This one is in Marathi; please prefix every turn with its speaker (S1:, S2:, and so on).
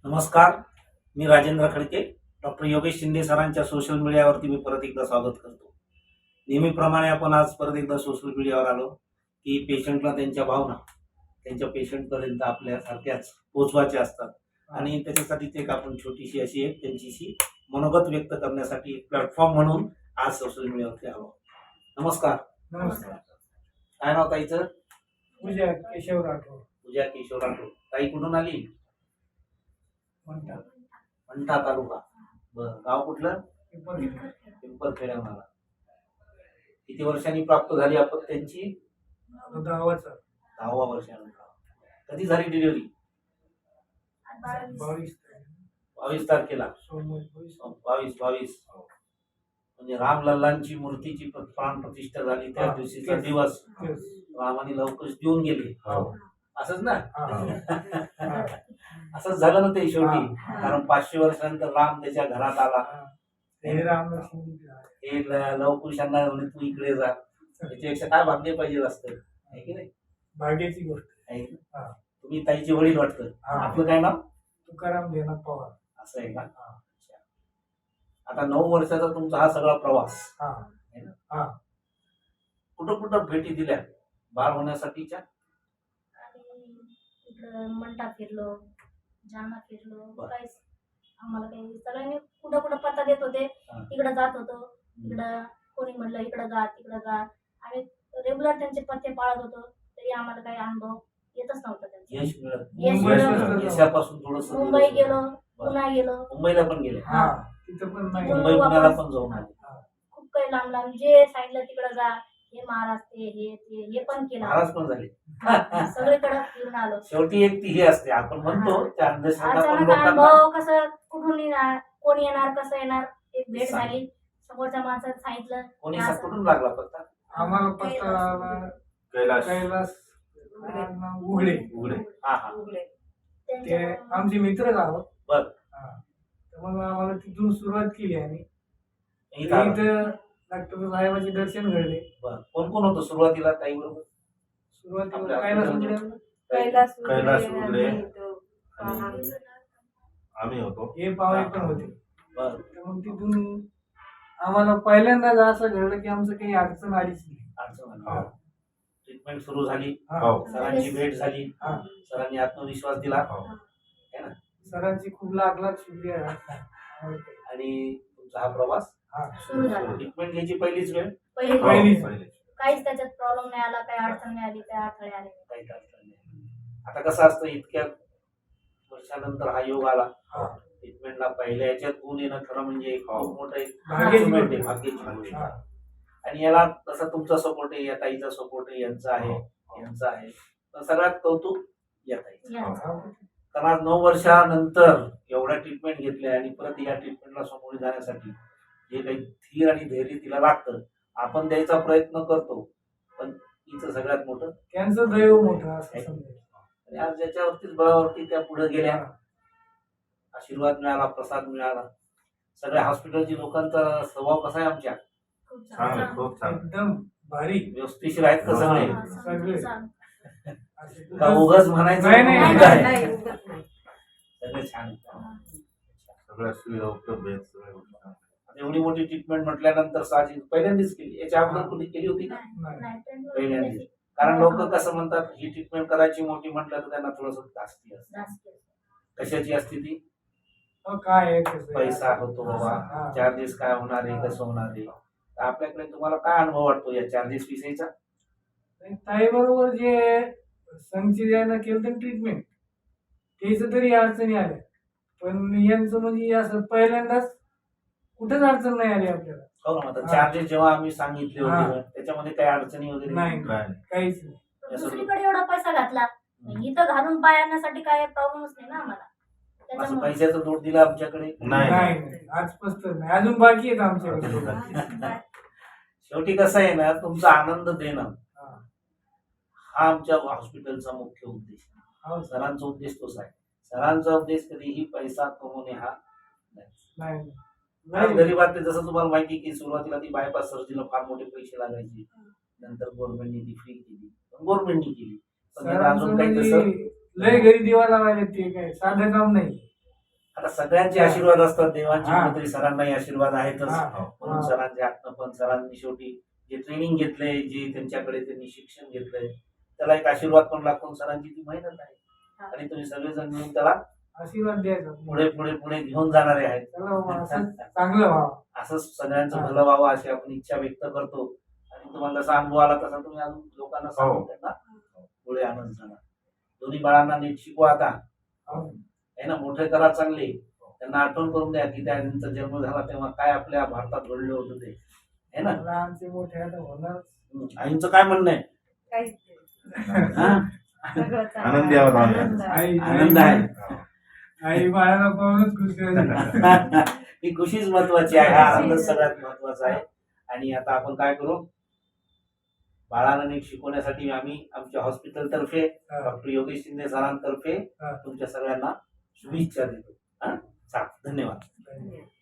S1: नमस्कार, मी राजेंद्र खडके. डॉक्टर योगेश शिंदे सरांच्या सोशल मीडियावरती मी परत एकदा स्वागत करतो. नेहमीप्रमाणे आपण आज परत एकदा सोशल मीडियावर आलो की पेशंटला त्यांच्या भावना त्यांच्या पेशंटपर्यंत आपल्यासारख्याच पोचवायच्या असतात आणि त्याच्यासाठीच एक आपण छोटीशी अशी एक त्यांच्याशी मनोगत व्यक्त करण्यासाठी एक प्लॅटफॉर्म म्हणून आज सोशल मीडियावरती आलो. नमस्कार.
S2: नमस्कार.
S1: काय नाव ताईचं?
S2: पूजा केशव राठोड.
S1: पूजा केशव राठोड. ताई कुठून आली?
S2: म्हणतात
S1: मंठा तालुका. बरं, गाव कुठलं?
S2: पिंपळखेड.
S1: पिंपळखेड्याहून आला. किती वर्षांनी प्राप्त झाली आपण त्यांची?
S2: 10वाचा
S1: 10व्या वर्षानंतर. कधी झाली डिलिव्हरी? 22 तारखेला.
S2: सोमवारी
S1: 22 म्हणजे रामलल्लांची मूर्तीची प्राण प्रतिष्ठा झाली त्या दिवशीचा दिवस. रामाने लवकर देऊन गेले. असंच ना? असंच झालं ना ते शेवटी. कारण 500 वर्षानंतर राम त्याच्या घरात आला.
S2: हे
S1: हे लवकुशांना म्हणे तू इकडे जा. त्याच्यापेक्षा काय भाग्य पाहिजे असतं, आहे की नाही?
S2: भाग्याची गोष्ट
S1: आहे की?
S2: हा.
S1: तुम्ही ताईचे वडील वाटतं. आपलं काय नाव?
S2: तुकाराम देना पवार.
S1: असं आहे का? अच्छा. आता 9 वर्षाचा तुमचा हा सगळा प्रवास आहे ना? कुठं कुठं भेटी दिल्या बाळ होण्यासाठीच्या?
S3: इकडं मंठा फिरलो, जालना फिरलो, काहीच आम्हाला काही सगळ्यांनी कुठं कुठं पत्ता देत होते. तिकडं जात होतो. इकडं कोणी म्हणलं इकडं जा तिकडं जा. आम्ही रेग्युलर त्यांचे पत्ते पाळत होतो, तरी आम्हाला काही अनुभव येतच नव्हता त्यांचा.
S1: यश मिळत
S3: यश मिळत.
S1: यशापासून थोडस
S3: मुंबई गेलो, पुन्हा गेलो.
S1: मुंबईला पण गेले.
S2: तिथं पण नाही.
S1: मुंबई पुण्याला पण जाऊन आले.
S3: खूप काही लांब लांब जे सांगितलं तिकडं जा, हे महाराज हे पण केलं.
S1: महाराज पण झाले.
S3: सगळीकडे फिरून आलो.
S1: शेवटी एक ती हे असते, आपण म्हणतो त्या अंधश्रद्धा पण
S3: अचानक
S1: लोकांना
S3: अनुभव कसं कुठून येणार, कोण येणार, कसं येणार, एक भेट झाली. समोरच्या माणसाने सांगितलं
S1: कोणी
S3: असं.
S1: कुठून लागला पत्ता?
S2: आम्हाला पत्ता कैलास उघडे.
S1: उघडे. हा हा.
S2: ते
S3: त्यांच्या-
S2: आमचे मित्रच आहोत.
S1: बर.
S2: तर मग आम्हाला तिथून सुरुवात केली आम्ही.
S1: इथं आला.
S2: इथं डॉक्टर साहेबांचे दर्शन घडले.
S1: बर. कोण कोण होतं सुरुवातीला ताई बरोबर?
S2: सुरुवातीला कैलास उघडे
S4: कैलास उघडे आम्ही होतो.
S2: हे पाहुणे पण होते.
S1: बर.
S2: तर मग तिथून आम्हाला पहिल्यांदाच असं घडलं की आमचं काही अडचण आलीच नाही.
S1: अडचण आली. ट्रीटमेंट सुरू झाली.
S4: हो.
S1: सरांची भेट झाली.
S2: हा.
S1: सरांनी आत्मविश्वास दिला.
S4: हो.
S1: है ना?
S2: सरांची खूप लाख लाख शुक्रिया.
S1: आणि तुमचा हा प्रवास
S3: सुरू झाला.
S1: ट्रीटमेंट घ्यायची पहिलीच वेळ.
S3: पहिली
S4: हो,
S2: पहिलीच.
S4: पहिले.
S3: काहीच त्याच्यात प्रॉब्लेम नाही आला, काही अडचण नाही आली, काही अडथळे आले नाही.
S1: काही अडचण नाही. आता कसं असतं, इतक्या वर्षानंतर हा योग आला.
S2: हा.
S1: ट्रीटमेंटला पहिल्या याच्यात गुण येणं खरं म्हणजे एक खूप मोठं एक
S2: भाग्याची
S1: achievement
S2: गोष्ट.
S1: आहे, भाग्याची गोष्ट.
S2: हा.
S1: आणि याला तसा तुमचा सपोर्ट आहे, या ताईचा सपोर्ट आहे, यांचा आहे, यांचा आहे. पण सगळ्यात कौतुक या ताईचं.
S3: या.
S1: कारण आज 9 वर्षानंतर एवढ्या ट्रीटमेंट घेतल्या आणि परत या ट्रीटमेंटला सामोरे जाण्यासाठी जे काही धीर आणि धैर्य तिला लागतं, आपण द्यायचा प्रयत्न करतो, पण तिचं सगळ्यात मोठं.
S2: त्यांचं दैव मोठं असं समजायचं.
S1: आणि आज ज्याच्यावरतीच बळावरती त्या पुढे गेल्या, आशीर्वाद मिळाला, प्रसाद मिळाला. सगळ्या हॉस्पिटलची लोकांचा स्वभाव कसा आहे आमच्या?
S3: खूप
S4: चांगलं,
S3: छान.
S4: खूप छान.
S2: एकदम भारी.
S1: व्यवस्थितशीर आहेत का सगळे?
S3: हा,
S2: सगळे.
S3: छान.
S1: का उगाच म्हणायचं
S2: नाही, नाही,
S1: उगाच
S3: नाही,
S1: आहे?
S3: नाही, उगाच नाही.
S1: सगळे छान आहेत.
S4: सगळ्या सुविधा उपलब्ध आहेत. सगळ्या गोष्टी.
S1: आता एवढी मोठी ट्रीटमेंट म्हटल्यानंतर साहजिक पहिल्यांदाच केली. याच्या अगोदर कोणी केली होती का?
S3: नाही, नाही, ट्रेनवर
S1: पहिल्यांदाच.
S3: गेली.
S1: कारण लोक कसं म्हणतात, ही ट्रीटमेंट करायची मोठी म्हटलं तर त्यांना थोडस जास्ती असते.
S3: जास्त.
S1: कशाची असते ती?
S2: मग काय आहे कसं आहे?
S1: पैसा होतो बाबा,
S2: हा.
S1: चार्जेस काय होणार आहे, कसं होणार आहे. तर आपल्याकडे तुम्हाला काय अनुभव वाटतो या चार्जेस विषयीचा?
S2: ताई बरोबर जे संगची केलं ट्रीटमेंट त्याच तरी अडचणी आल्या, पण यांचं म्हणजे असं पहिल्यांदाच कुठेच अडचण नाही आली आपल्याला.
S1: हो ना. आता
S2: हा.
S1: चार्जेस जेव्हा आम्ही सांगितले
S2: हा.
S1: होते त्याच्यामध्ये काही अडचणी वगैरे
S2: नाही
S4: काय?
S2: काहीच नाही.
S3: दुसरीकडे एवढा पैसा घातला, इथं घालून पाय आणण्यासाठी काय प्रॉब्लेमच नाही ना आम्हाला.
S1: असं
S3: त्याच्यामुळे
S1: पैशाचं नोट दिलं आमच्याकडे?
S4: नाही.
S2: नाही आजपासून तर नाही, अजून बाकी आहेत आमच्याकडे.
S1: शेवटी कसं आहे ना, तुमचा आनंद देणं
S2: हा.
S1: हा आमच्या हॉस्पिटलचा मुख्य उद्देश आहे.
S2: हो,
S1: सरांचा उद्देश तोच आहे. सरांचा उद्देश कधीही पैसा कमवणे हा नाही.
S2: नाही
S1: आज
S2: नाही.
S1: गरीबात जसं तुम्हाला माहिती की सुरुवातीला ती बायपास सर्जरीला फार मोठे पैसे लागायचे. नंतर गव्हर्नमेंटने ती फ्री केली, गव्हर्नमेंटनी केली. पण त्याला
S2: सरांचं
S1: अजून काही तसं
S2: म्हणजे लय घरी दिवा लावायला ते काय साधं काम नाही.
S1: आता सगळ्यांचे आशीर्वाद असतात देवांचे,
S2: हा.
S1: कुठेतरी सरांनाही आशीर्वाद आहेतच.
S2: हा.
S1: म्हणून
S2: हा.
S1: सरांच्या हातनं पण सरांनी शेवटी जे ट्रेनिंग घेतलंय, जे त्यांच्याकडे त्यांनी शिक्षण घेतलंय, त्याला एक आशीर्वाद पण लागतो. सरांची ती मेहनत आहे
S3: हा.
S1: आणि तुम्ही सगळेजण मिळून त्याला
S2: आशीर्वाद द्यायचा
S1: पुढे पुढे पुढे घेऊन जाणारे आहेत.
S2: चला बाबा, असं चांगलं व्हावं.
S1: असंच सगळ्यांचं
S2: हा.
S1: भलं व्हावं अशी आपण इच्छा व्यक्त करतो. आणि तुम्हाला जसा अनुभव आला तसा तुम्ही अजून लोकांना सांगून त्यांना पुढे आणत जाणार. दोन्ही बाळांना नीट शिकवा आता,
S2: हो.
S1: आहे ना, मोठे करा चांगले. त्यांना आठवण करून द्या की त्यांचा जन्म झाला तेव्हा काय आपल्या भारतात घडलं होतं ते, आहे ना.
S2: लहानचे मोठे आता होणार.
S1: आईंचं काय म्हणणं आहे?
S3: काहीच
S1: हा?
S3: सगळं चांगलं
S4: आनंदी आहोत आम्ही.
S3: आनंद आहे.
S2: आई
S1: आनंद आहे.
S4: हो.
S2: आई बाळाला पाहूनच खुशी होती.
S1: ही खुशीच महत्वाची आहे. हा आनंद सगळ्यात महत्वाचा आहे. आणि आता आपण काय करू, बाळांना नीट शिकवण्यासाठी आम्ही आमच्या हॉस्पिटल तर्फे डॉक्टर योगेश शिंदे सरांतर्फे
S2: हा.
S1: तुमच्या सगळ्यांना शुभेच्छा देतो. हा, धन्यवाद.
S2: धन्यवाद.